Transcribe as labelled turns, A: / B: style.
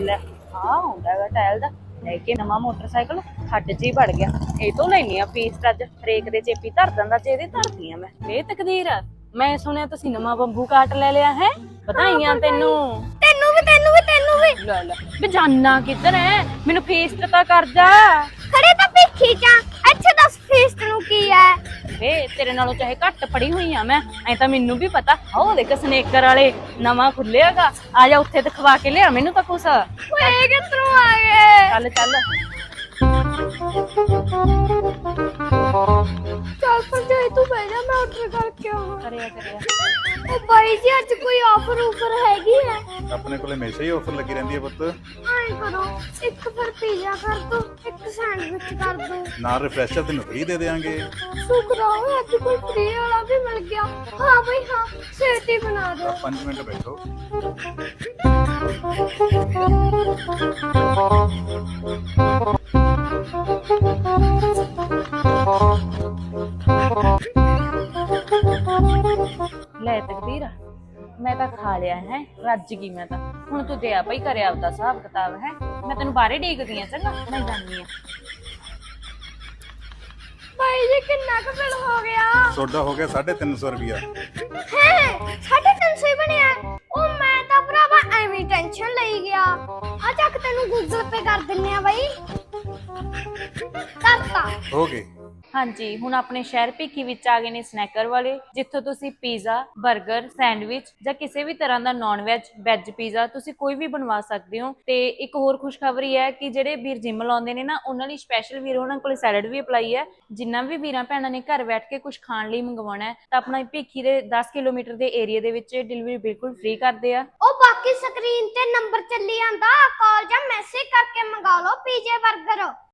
A: ਲੈ ਆ ਹੁੰਦਾ ਹੈਗਾ ਟਾਇਲ ਦਾ ਲੈ ਕੇ ਨਵਾਂ ਮੋਟਰਸਾਈਕਲ ਖੱਡ 'ਚ ਹੀ ਵੜ ਗਿਆ। ਇਹ ਤੋਂ ਲੈਣੀ ਆ ਫੀਸ ਅੱਜ ਹਰੇਕ ਦੇ ਚੇਪੀ ਧਰ ਦਿੰਦਾ ਤੇ ਇਹਦੀ ਧਰਦੀ ਆ ਮੈਂ। ਇਹ ਤਕਦੀਰ ਆ, ਮੈਂ ਸੁਣਿਆ ਤੁਸੀਂ ਨਵਾਂ ਬੰਬੂ ਕਾਟ ਲੈ ਲਿਆ ਹੈ। ਵਧਾਈਆਂ ਤੈਨੂੰ।
B: ਤੈਨੂੰ ਵੀ
A: ਲੈ ਲੈ ਵੀ ਜਾਨਾ ਕਿੱਧਰ ਐ, ਮੈਨੂੰ ਫੀਸ ਤਾਂ ਕਰ ਜਾ।
B: ਖੜੇ ਤਾਂ ਭਿੱਖੀ ਚ ਅੱਛਾ ਦੱਸ ਫੀਸ ਤੈਨੂੰ ਕੀ ਹੈ
A: ਵੇ ਤੇਰੇ ਨਾਲੋਂ ਚਾਹੇ ਘੱਟ ਪੜੀ ਹੋਈ ਆ ਮੈਂ, ਐ ਤਾਂ ਮੈਨੂੰ ਵੀ ਪਤਾ। ਉਹ ਦੇਖ ਸਨੇਕਰ ਵਾਲੇ ਨਵਾਂ ਖੁੱਲਿਆਗਾ, ਆ ਜਾ ਉੱਥੇ ਤੇ ਖਵਾ ਕੇ ਲਿਆ ਮੈਨੂੰ ਤਾਂ ਕੁਛ।
B: ਓਏ ਕਿੱਧਰੋਂ ਆ ਗਏ?
A: ਚੱਲ ਚੱਲ
B: ਚੱਲ ਪਰ ਜੇ ਤੂੰ ਬਹਿ ਜਾ ਮੈਂ ਆਰਡਰ ਕਰਕੇ ਆਵਾਂ।
A: ਕਰਿਆ
B: ਉਹ ਬਾਈ ਜੀ ਅੱਜ ਕੋਈ ਆਫਰ ਹੈਗੀ ਹੈ?
C: ਆਪਣੇ ਕੋਲੇ ਹਮੇਸ਼ਾ ਹੀ ਆਫਰ ਲੱਗੀ ਰਹਿੰਦੀ ਹੈ ਪੁੱਤ।
B: ਆਏ ਕਰੋ ਇੱਕ ਫਿਰ ਪੀਜ਼ਾ ਕਰ ਦੋ, ਇੱਕ ਸੈਂਡਵਿਚ ਕਰ ਦੋ,
C: ਨਾਲ ਰਿਫਰੈਸ਼ਰ ਤੈਨੂੰ ਫ੍ਰੀ ਦੇ ਦੇਵਾਂਗੇ।
B: ਸ਼ੁਕਰ ਹੈ ਅੱਜ ਕੋਈ ਫ੍ਰੀ ਵਾਲਾ ਵੀ ਮਿਲ ਗਿਆ। ਹਾਂ ਬਈ ਹਾਂ ਛੇਤੀ ਬਣਾ ਦਿਓ।
C: 5 ਮਿੰਟ ਬੈਠੋ।
A: ਲੈ ਤਕਦੀਰ ਮੈਂ ਤਾਂ ਖਾ ਲਿਆ ਹੈ, ਰੱਜ ਗਈ ਮੈਂ ਤਾਂ। ਹੁਣ ਤੂੰ ਦਿਆ ਭਾਈ ਕਰਿਆ ਆਪਦਾ ਹਿਸਾਬ ਕਿਤਾਬ ਹੈ, ਮੈਂ ਤੈਨੂੰ ਬਾਹਰੇ ਡੀਕਦੀ ਆ। ਚੰਗਾ ਮੈਂ ਜਾਂਦੀ ਆ।
B: ਬਾਈ ਜੀ ਕਿੰਨਾ ਕੁ ਬਿੱਲ ਹੋ ਗਿਆ?
C: ਤੁਹਾਡਾ ਹੋ ਗਿਆ 350 ਰੁਪਿਆ।
B: ਹੈ 350 ਹੀ ਬਣਿਆ। ਉਹ ਮੈਂ ਤਾਂ ਭਰਾਵਾ ਐਵੇਂ ਟੈਨਸ਼ਨ ਲਈ ਗਿਆ। ਆ ਚੱਕ ਤੈਨੂੰ ਗੂਗਲ ਪੇ ਕਰ ਦਿੰਨੇ ਆ ਬਾਈ। ਕਰਤਾ
C: ਹੋ ਗਏ।
A: ਹਾਂਜੀ ਹੁਣ ਆਪਣੇ ਸ਼ਹਿਰ ਭਿੱਖੀ ਵਿੱਚ ਆ ਗਏ ਨੇ ਸਨੈਕਰ ਵਾਲੇ, ਜਿੱਥੋਂ ਤੁਸੀਂ ਪੀਜ਼ਾ, 버ਗਰ, ਸੈਂਡਵਿਚ ਜਾਂ ਕਿਸੇ ਵੀ ਤਰ੍ਹਾਂ ਦਾ ਨਾਨ ਵੈਜ ਪੀਜ਼ਾ ਤੁਸੀਂ ਕੋਈ ਵੀ ਬਣਵਾ ਸਕਦੇ ਹੋ। ਤੇ ਇੱਕ ਹੋਰ ਖੁਸ਼ਖਬਰੀ ਹੈ ਕਿ ਜਿਹੜੇ ਵੀਰ ਜਿਮ ਲਾਉਂਦੇ ਨੇ ਨਾ, ਉਹਨਾਂ ਲਈ ਸਪੈਸ਼ਲ ਵੀਰ ਉਹਨਾਂ ਕੋਲ ਸੈਲਡ ਵੀ ਅਪਲਾਈ ਹੈ। ਜਿੰਨਾ ਵੀ ਵੀਰਾਂ ਭੈਣਾਂ ਨੇ ਘਰ ਬੈਠ ਕੇ ਕੁਝ ਖਾਣ ਲਈ ਮੰਗਵਾਉਣਾ ਹੈ ਤਾਂ ਆਪਣਾ ਭਿੱਖੀ ਦੇ 10 ਕਿਲੋਮੀਟਰ ਦੇ ਏਰੀਆ ਦੇ ਵਿੱਚ ਡਿਲੀਵਰੀ ਬਿਲਕੁਲ ਫ੍ਰੀ ਕਰਦੇ ਆ।
B: ਉਹ ਬਾਕੀ ਸਕਰੀਨ ਤੇ ਨੰਬਰ ਚੱਲੀ ਜਾਂਦਾ, ਕਾਲ ਜਾਂ ਮੈਸੇਜ ਕਰਕੇ ਮੰਗਾ ਲਓ ਪੀਜ਼ੇ 버ਗਰ।